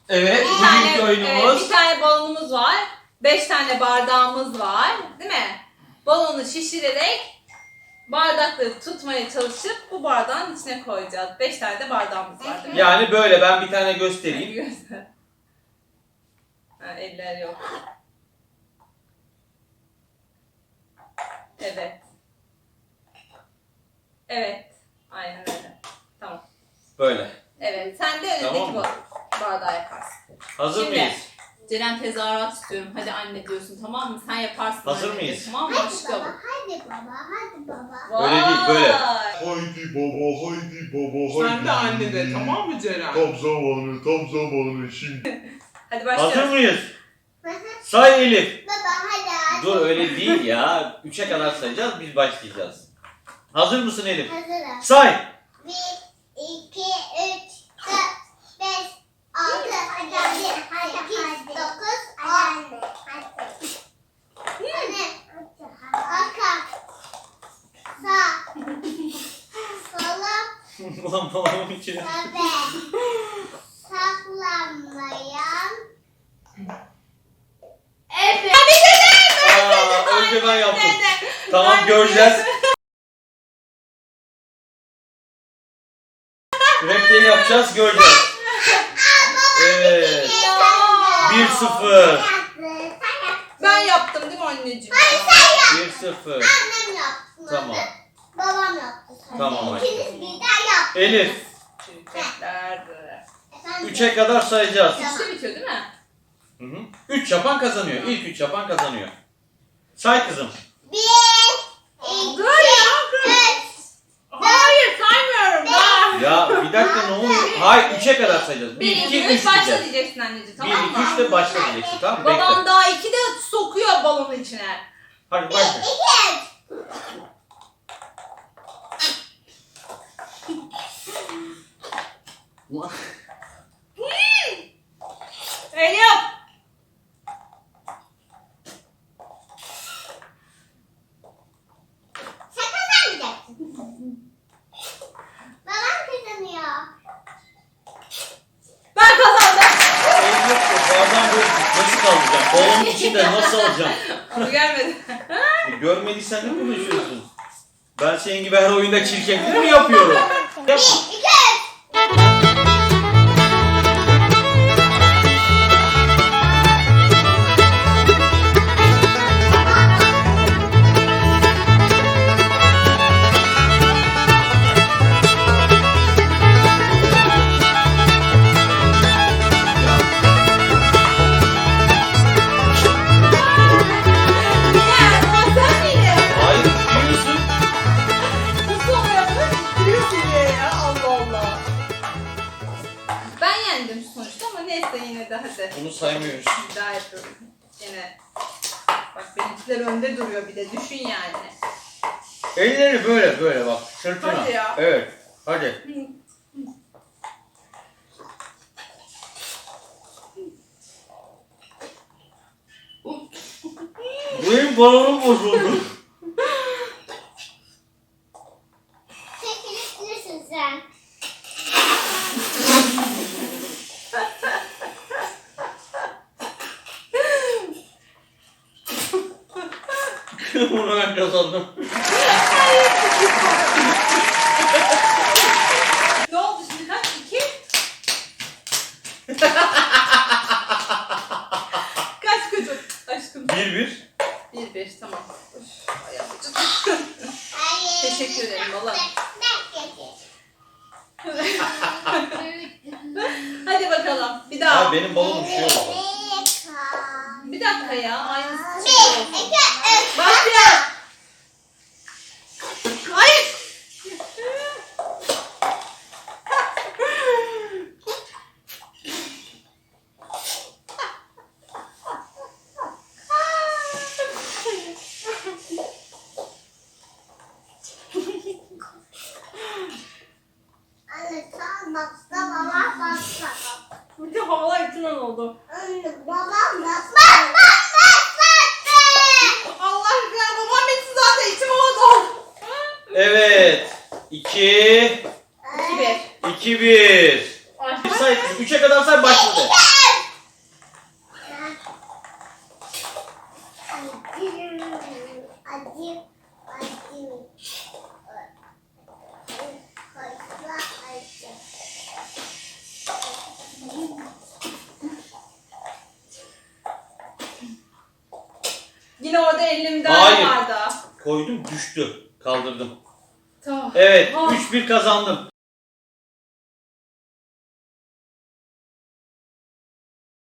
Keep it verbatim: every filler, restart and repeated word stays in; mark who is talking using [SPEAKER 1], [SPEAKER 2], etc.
[SPEAKER 1] Evet,
[SPEAKER 2] Bir tane,
[SPEAKER 1] bugünkü oyunumuz.
[SPEAKER 2] evet, bir tane balonumuz var. Beş tane bardağımız var. Değil mi? Balonu şişirerek bardakları tutmaya çalışıp bu bardağın içine koyacağız. Beş tane de bardağımız var değil mi?
[SPEAKER 1] Yani böyle ben bir tane göstereyim.
[SPEAKER 2] Göster. Ha, eller yok. Evet. Evet. Aynen öyle. Tamam.
[SPEAKER 1] Böyle.
[SPEAKER 2] Evet. Sen de önündeki
[SPEAKER 1] Tamam mı?
[SPEAKER 2] ba- bardağı yaparsın.
[SPEAKER 1] Hazır
[SPEAKER 2] Şimdi,
[SPEAKER 1] mıyız?
[SPEAKER 2] Ceren tezahürat istiyorum. Hadi anne diyorsun, tamam mı? Sen yaparsın.
[SPEAKER 1] Hazır
[SPEAKER 2] anne,
[SPEAKER 1] mıyız?
[SPEAKER 2] Tamam mı
[SPEAKER 3] Hadi
[SPEAKER 2] aşkım?
[SPEAKER 3] baba, hadi baba, hadi baba.
[SPEAKER 1] Öyle değil, böyle.
[SPEAKER 2] Vay!
[SPEAKER 4] Haydi baba, haydi baba, haydi.
[SPEAKER 5] Sen de anne de, tamam mı Ceren?
[SPEAKER 4] Tam zamanı, tam zamanı şimdi.
[SPEAKER 2] Hadi başlıyoruz.
[SPEAKER 1] Hazır mıyız?
[SPEAKER 3] Hı hı.
[SPEAKER 1] Say Elif.
[SPEAKER 3] Baba hadi hadi.
[SPEAKER 1] Dur öyle değil ya. Üçe kadar sayacağız, biz başlayacağız. Hazır mısın Elif?
[SPEAKER 3] Hazırım.
[SPEAKER 1] Say.
[SPEAKER 3] Bir, iki, üç, dört, beş, altı, yedi, sekiz, dokuz, on. Anne. Arka. Sağ. Sola.
[SPEAKER 1] Ulan babamın içine.
[SPEAKER 3] Tabe. Saklanmayan.
[SPEAKER 2] Evet.
[SPEAKER 1] Aa, önce ben yaptım.
[SPEAKER 2] Dede.
[SPEAKER 1] Tamam
[SPEAKER 2] Ben-
[SPEAKER 1] göreceğiz. Repliği yapacağız, göreceğiz. Evet.
[SPEAKER 2] Ya.
[SPEAKER 1] bir sıfır.
[SPEAKER 2] Ben yaptım değil mi anneciğim?
[SPEAKER 1] bir sıfır.
[SPEAKER 3] Annem yaptı.
[SPEAKER 1] Tamam.
[SPEAKER 3] Babam yaptı.
[SPEAKER 1] Tamam anne.
[SPEAKER 3] İkiniz birden yaptınız.
[SPEAKER 1] Elif,
[SPEAKER 2] Çocuklar.
[SPEAKER 3] Efendim?
[SPEAKER 1] üçe kadar sayacağız.
[SPEAKER 2] Üçte bitiyor değil mi?
[SPEAKER 1] Hı hı. üç yapan kazanıyor. İlk üç yapan kazanıyor. Say kızım.
[SPEAKER 3] Bir, iki,
[SPEAKER 2] Dur ya.
[SPEAKER 3] üç.
[SPEAKER 2] Hayır saymıyorum. Daha.
[SPEAKER 1] Ya bir dakika ne oluyor? Hayır üçe kadar sayacağız. bir,
[SPEAKER 2] Bir,
[SPEAKER 1] iki,
[SPEAKER 2] iki,
[SPEAKER 1] üç
[SPEAKER 2] üç başla
[SPEAKER 1] diyeceğiz.
[SPEAKER 2] diyeceksin anneciğim,
[SPEAKER 1] bir,
[SPEAKER 2] tamam mı?
[SPEAKER 1] iki, üç de başla diyeceksin, tamam mı? Bekle.
[SPEAKER 2] Babam daha iki de sokuyor balonun içine.
[SPEAKER 1] Hadi başla.
[SPEAKER 2] Elif.
[SPEAKER 3] Sen kazanmayacaksın. Babam kazanıyor.
[SPEAKER 2] Ben kazandım.
[SPEAKER 1] Elim yok ki. Bardağın böyle nasıl alacağım? Balonun içinde nasıl alacağım?
[SPEAKER 2] Onu gelmedi.
[SPEAKER 1] E, görmediysen ne konuşuyorsun? Ben senin gibi her oyunda çirkeflik mi yapıyorum? Yapma.
[SPEAKER 3] Bir, iki, üç.
[SPEAKER 2] Ya sen miydin?
[SPEAKER 1] Hayır, biliyorsun.
[SPEAKER 2] Nasıl onu yapmış? Gülüyorsun diye ya. Allah Allah. Ben yendim sonuçta ama neyse yine de hadi.
[SPEAKER 1] Bunu saymıyoruz.
[SPEAKER 2] Bir daha yapıyorum. Yine. Bak benimkiler önde duruyor bir de düşün yani.
[SPEAKER 1] Elleri böyle böyle bak sırtına.
[SPEAKER 2] Hadi ya.
[SPEAKER 1] Evet. Hadi. Benim balonum bozuldu.
[SPEAKER 3] Çekilirsin sen.
[SPEAKER 1] Bunu ben kazandım.
[SPEAKER 2] Ne oldu şimdi kaç? İki? Kaç çocuk? Aşkım.
[SPEAKER 1] Bir bir.
[SPEAKER 2] Bir bir tamam. Üf, ayağım acıdı.
[SPEAKER 3] Hayır.
[SPEAKER 2] Teşekkür ederim valla.
[SPEAKER 3] Ben getir.
[SPEAKER 2] Hadi bakalım. Bir daha.
[SPEAKER 1] Abi benim balonum şey oldu.
[SPEAKER 2] Bir dakika ya. Aynısı
[SPEAKER 3] Bir,
[SPEAKER 2] çıkıyor.
[SPEAKER 3] iki, üç.
[SPEAKER 2] Başlıyor. Ay.
[SPEAKER 3] Anne sen basta, babam basta.
[SPEAKER 2] Bir de havalar içinden oldu.
[SPEAKER 3] Anne babam basta. Bak bak bak.
[SPEAKER 2] Allah aşkına babam bitti zaten içim oldu.
[SPEAKER 1] Evet. İki.
[SPEAKER 2] İki bir.
[SPEAKER 1] iki bir.
[SPEAKER 2] Ay.
[SPEAKER 1] Say. Üçe kadar say başladı.
[SPEAKER 3] Acı. Acı. Acı. Fazla acı.
[SPEAKER 2] Yine orada elini müdahale
[SPEAKER 1] Hayır.
[SPEAKER 2] vardı.
[SPEAKER 1] Koydum düştü. Kaldırdım.
[SPEAKER 2] Tamam.
[SPEAKER 1] Evet
[SPEAKER 2] Ah.
[SPEAKER 1] üç bir kazandım.